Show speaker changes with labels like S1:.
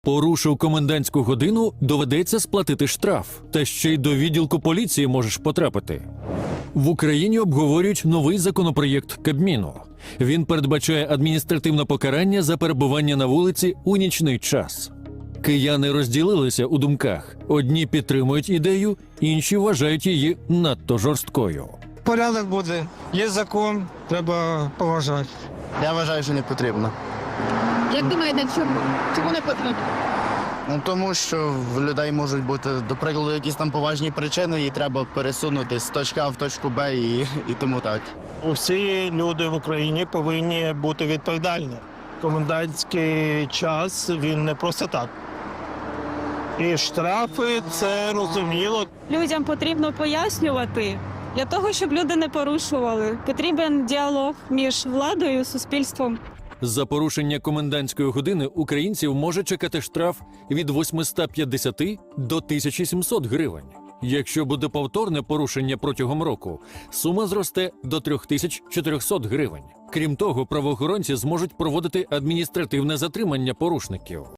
S1: Порушив комендантську годину, доведеться сплатити штраф. Та ще й до відділку поліції можеш потрапити. В Україні обговорюють новий законопроєкт Кабміну. Він передбачає адміністративне покарання за перебування на вулиці у нічний час. Кияни розділилися у думках. Одні підтримують ідею, інші вважають її надто жорсткою.
S2: Порядок буде. Є закон, треба поважати.
S3: Я вважаю, що не потрібно.
S4: Як думаєте, чому не потрібно?
S3: Тому що в людей можуть бути, до прикладу, якісь там поважні причини, і треба пересунути з точки А в точку Б і тому так.
S5: Усі люди в Україні повинні бути відповідальні. Комендантський час, він не просто так. І штрафи, це розуміло.
S6: Людям потрібно пояснювати. Для того, щоб люди не порушували, потрібен діалог між владою і суспільством.
S1: За порушення комендантської години українців може чекати штраф від 850 до 1700 гривень. Якщо буде повторне порушення протягом року, сума зросте до 3400 гривень. Крім того, правоохоронці зможуть проводити адміністративне затримання порушників.